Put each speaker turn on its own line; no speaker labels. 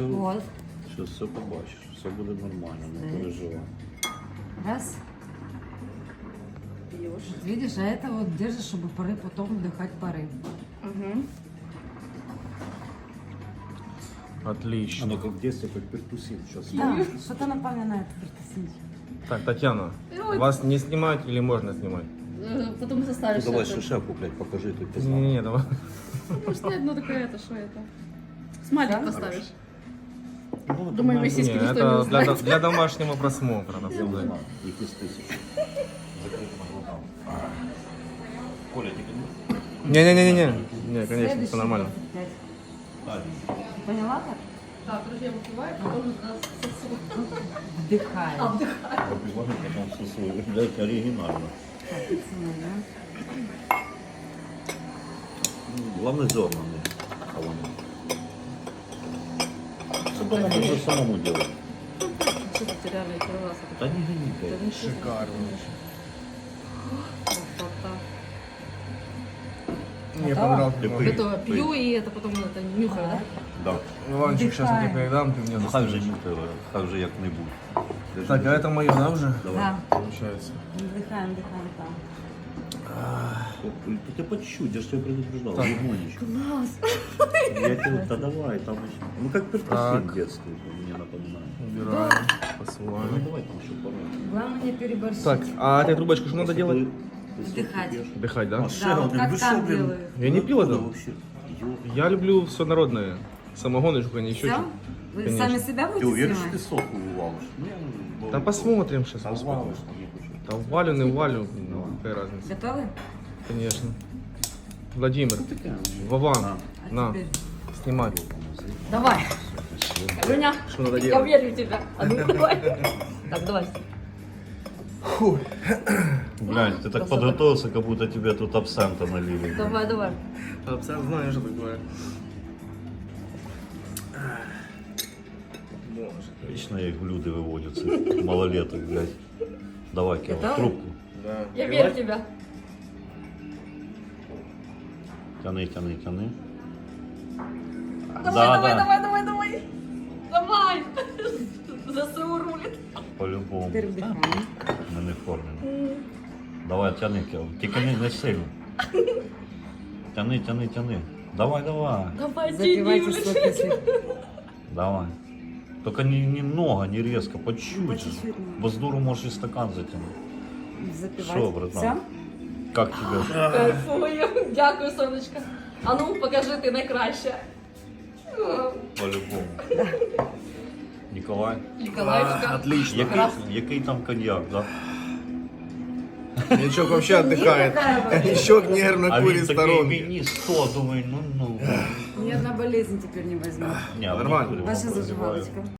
все,
Вот.
сейчас все побачиш, все буде нормально, не переживай.
Раз.
Пьешь.
Видишь, а это вот держишь, чтобы пары потом вдыхать пары.
Угу.
Отлично.
Оно как в детстве, как перкусин сейчас.
Да, что-то напоминает перкуссию.
Так, Татьяна,
Ой.
вас не снимать или можно снимать?
Потом составишь.
Давай
это.
шишаку, блядь, покажи, тут ты знал.
Не-не-не, давай.
Может, нет, ну такое это, что это? Смайлик
Да?
поставишь.
Ну,
Думаю,
нормально.
висит.
Не,
Никто не
это
узнает.
для домашнего просмотра, надо
Я
сказать.
узнал, их из 1000. Закрытым глазам. Коля, тебе
Не-не-не-не, не, конечно,
Следующий
все нормально.
25.
не?
Поняла как?
Так, друзья, выпиваем, потом нас сосуд.
Вдыхаешь.
Попиваем, потом сосуд. Блядь, оригинально.
Так, пацаны, да?
Главное зернами. Что нам нужно самому делать?
Что ты реально первый раз это?
Да не гони,
Да
блядь.
ничего.
Шикарно.
Красота.
Мне
Готово?
понравилось.
Ты
немного.
Это пью и это потом это нюхаю, да?
Да.
Иванчик, сейчас я тебе
Вдыхаем.
передам, ты мне
Ну, хай вже
достанешь.
нюхай, хай вже як-небудь.
Так, а это мое, да, уже?
Давай.
Да.
Получается.
Вдыхаем, вдыхаем там.
Ты по чуть-чуть, я же тебя предупреждал,
Так.
лимонечко.
Класс.
Я тебе, да давай, там еще. Ну как перкусин
Так.
в детстве, мне напоминает.
Убираем,
Ну
посылаем.
давай там еще пару.
Главное не переборщить.
Так, а этой трубочку что надо делать?
Вдыхать.
Вдыхать, да?
Да, вот как там делают.
Я не пил это.
Вообще. Ё-
Я люблю все народное. Самогоночку, а не еще
Все?
что.
Вы
Конечно.
сами себя
Ты
будете
уверен, что ты
снимать?
сок валишь? Ну, я-
Да посмотрим сейчас.
Да валишь, там не хочу.
Да валю, не валю, ну, какая разница.
Готовы?
Конечно. Владимир,
Ну, такая.
Вован,
А
на,
теперь
снимай.
Давай. Женя,
Что надо
я
делать?
верю в тебя. А ну давай. Так, давай.
Глянь, ты так
Красота.
подготовился, как будто тебе тут абсента налили.
Давай, давай.
Абсолютно знаю, что такое.
Вечно их в люди выводят, этих малолеток, блядь. Давай, Кева,
Готовы?
трубку.
Да.
Я верю в тебя.
Тяни, тяни, тяни.
Давай, давай, давай, давай, давай. Давай. ЗСУ рулит.
По-любому.
теперь вдыхаем.
Ми не в формі. Давай, тяни, Кева. Тільки не сильно. Тяни, тяни, тяни. Давай, давай.
Давай,
Запивайте
тяни,
сок,
блин.
если...
Давай. Только немного, не резко, по чуть-чуть.
По чуть-чуть надо.
Бо з дуру можеш і стакан затягнути.
Запивать.
Що, братан?
Все?
Как тебе?
Кайфую. Дякую, сонечко. А ну, покажи, ти найкраща.
По-любому. Ніколай?
Ніколаївська.
Отлично.
Який там коньяк, да?
Ничок вообще отдыхает. Ничок нервно
А
курит
він такий
сторонки.
мені 100, думаю, ну.
Ни одна болезнь теперь не возьму.
Ні,
Нормально.
не курю,
Ваша
прозиваю.
зажигалочка.